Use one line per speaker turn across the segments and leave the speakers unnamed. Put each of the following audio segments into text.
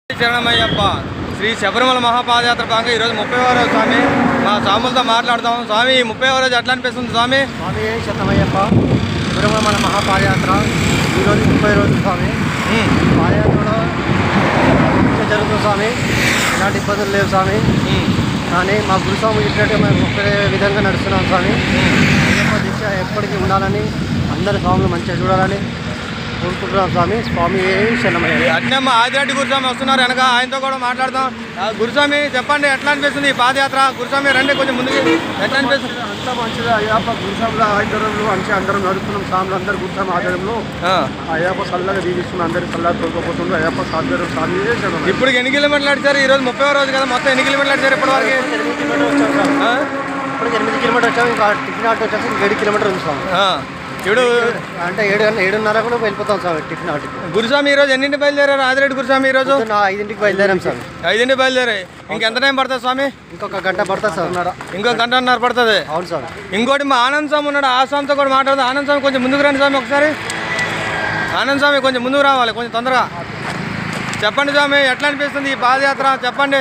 శరణమయ్యప్ప శ్రీ శబరిమల మహాపాదయాత్ర భాగంగా ఈరోజు 30వ రోజు స్వామి. మా స్వాములతో మాట్లాడతాం. స్వామి 30వ రోజు ఎట్లా అనిపిస్తుంది స్వామి?
స్వామి శరణమయ్యప్ప శబరిమల మహాపాదయాత్ర ఈరోజు 30 రోజులు స్వామి. పాదయాత్రలో జరుగుతుంది స్వామి, ఎలాంటి ఇబ్బందులు లేవు స్వామి. కానీ మా గురుస్వామి చెప్పినట్టు మేము ఒకే విధంగా నడుస్తున్నాం స్వామి. అయ్యప్ప దీక్ష ఎప్పటికీ ఉండాలని, అందరి స్వాములు మంచిగా చూడాలని కోరుకుంటున్నాం స్వామి. స్వామి శరణమయ్య.
అట్నే మా ఆదిరెడ్డి గురుస్వామి వస్తున్నారు వెనక, ఆయనతో కూడా మాట్లాడదాం. గురుస్వామి చెప్పండి, ఎట్లా అనిపిస్తుంది ఈ పాదయాత్ర? గురుస్వామి రండి కొంచెం ముందుకి. ఎట్లా అనిపిస్తుంది?
అంతా మంచిగా అయ్యప్ప గురుస్వాముల ఆధ్వర్యంలో మంచిగా అందరం నడుస్తున్నాం. స్వాములు అందరు గురుస్వామి ఆధ్వర్యంలో అయ్యప్ప చల్లగా దీవిస్తున్నాం. అందరికి చల్లగా తోలుకోపోతుంది అయ్యప్ప ఆధ్వర్యం. స్వామి శరణమయ్య.
ఇప్పుడు ఎన్ని కిలోమీటర్లు నడిచారు? ఈ రోజు 30వ రోజు కదా, మొత్తం ఎన్ని కిలోమీటర్లు నడిచారు ఇప్పటి వరకు?
8 కిలోమీటర్లు వచ్చాం సార్. ఇప్పుడు 8 కిలోమీటర్ వచ్చాము. ఇంకా టిఫిన్ ఆటో వచ్చేసి 7 కిలోమీటర్ ఉంది స్వామి.
ఇప్పుడు
అంటే 7:30 కూడా వెళ్ళిపోతాం సార్ టిఫిన్ ఆటోకి.
గురుస్వామి ఈ రోజు ఎన్నింటి బయలుదేరారు? ఆదిరెడ్డి గురుస్వామి ఈ రోజు
5ంటికి బయలుదేరాం సార్.
5ంటికి బయలుదేరాయి. ఇంకెంత టైం పడుతుంది స్వామి?
ఇంకొక గంట పడుతుంది సార్.
ఇంకొక గంటన్నర పడుతుంది.
అవును సార్.
ఇంకోటి మా ఆనంద్ స్వామి ఉన్నాడు, ఆ స్వామితో కూడా మాట్లాడదాం. ఆనంద్ స్వామి కొంచెం ముందుకు రండి స్వామి ఒకసారి. ఆనంద్ స్వామి కొంచెం ముందుకు రావాలి, కొంచెం తొందరగా. చెప్పండి స్వామి, ఎట్లా అనిపిస్తుంది ఈ పాదయాత్ర? చెప్పండి.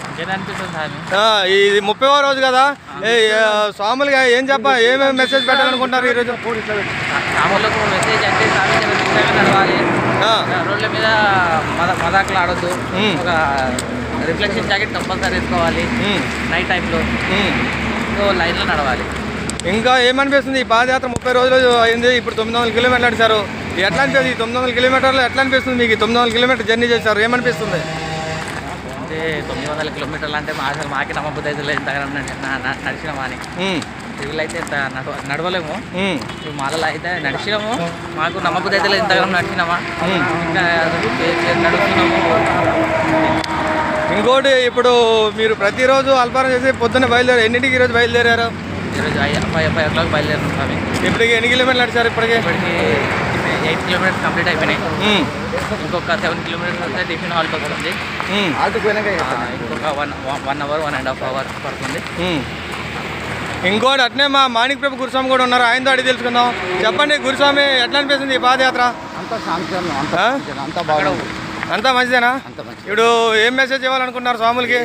ఇది 30వ రోజు కదా, స్వాములుగా ఏమేమి మెసేజ్ పెట్టాలనుకుంటారు ఈరోజు?
స్వాములకు మెసేజ్ అంటే నడవాలి, రోడ్ల మీద మదాకులు ఆడొద్దు, ఒక రిఫ్లెక్షన్ జాకెట్ కంపల్సరీ వేసుకోవాలి నైట్ టైంలో, సో లైన్లో నడవాలి.
ఇంకా ఏమనిపిస్తుంది ఈ పాదయాత్ర? 30 రోజులు అయింది, ఇప్పుడు 900 కిలోమీటర్లు నడిచారు. ఎట్లా అనిపిస్తుంది ఈ 900 కిలోమీటర్లు? ఎట్లా అనిపిస్తుంది మీకు? 900 కిలోమీటర్ జర్నీ చేశారు, ఏమనిపిస్తుంది?
అంటే 900 కిలోమీటర్లు అంటే అసలు మాకే నమ్మబుద్ధి అయితే లేదు, ఇంతగా నడిచినామా అని. వీళ్ళైతే ఇంత నడవలేము, మాలలో అయితే నడిచినాము, మాకు నమ్మబుద్ధి అయితే లేదు, ఇంతగా నడిచినామా, ఇంకా నడుస్తున్నాము.
ఇంకోటి, ఇప్పుడు మీరు ప్రతిరోజు అల్పారం చేసి పొద్దున్న బయలుదేరారు. ఎన్నింటికి ఈరోజు బయలుదేరారు?
ఈరోజు 5 o'clock బయలుదేరాం స్వామి.
ఇప్పటికి ఎన్ని కిలోమీటర్లు నడిచారు? ఇప్పటికి
8 కిలోమీటర్స్ కంప్లీట్ అయిపోయినాయి. ఇంకొక 7 కిలోమీటర్స్ వస్తే టిఫిన్ హాల్కి వస్తుంది. ఇంకొక 1 hour 1.5 hours పడుతుంది.
ఇంకోటి అట్నే మా మాణిక్ ప్రభు గురుస్వామి కూడా ఉన్నారు, ఆయనతో అడిగి తెలుసుకుందాం. చెప్పండి గురుస్వామి, ఎట్లా అనిపిస్తుంది ఈ పాదయాత్ర? అంతా మంచిదేనా? ఇప్పుడు ఏం మెసేజ్ ఇవ్వాలనుకున్నారు స్వాములకి?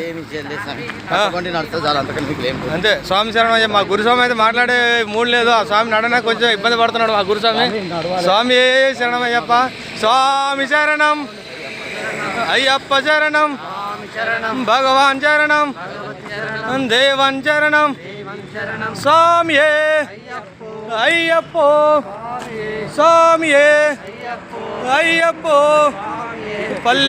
అంతే, స్వామి శరణం. మా గురుస్వామి అయితే మాట్లాడే మూడు లేదు, ఆ స్వామి నడన కొంచెం ఇబ్బంది పడుతున్నాడు. ఆ గురుస్వామి స్వామి శరణం అయ్యప్ప. స్వామి శరణం అయ్యప్ప శరణం, భగవాన్ శరణం, దేవన్ శరణం, స్వామి అయ్యప్పో, స్వామి అయ్యప్పో.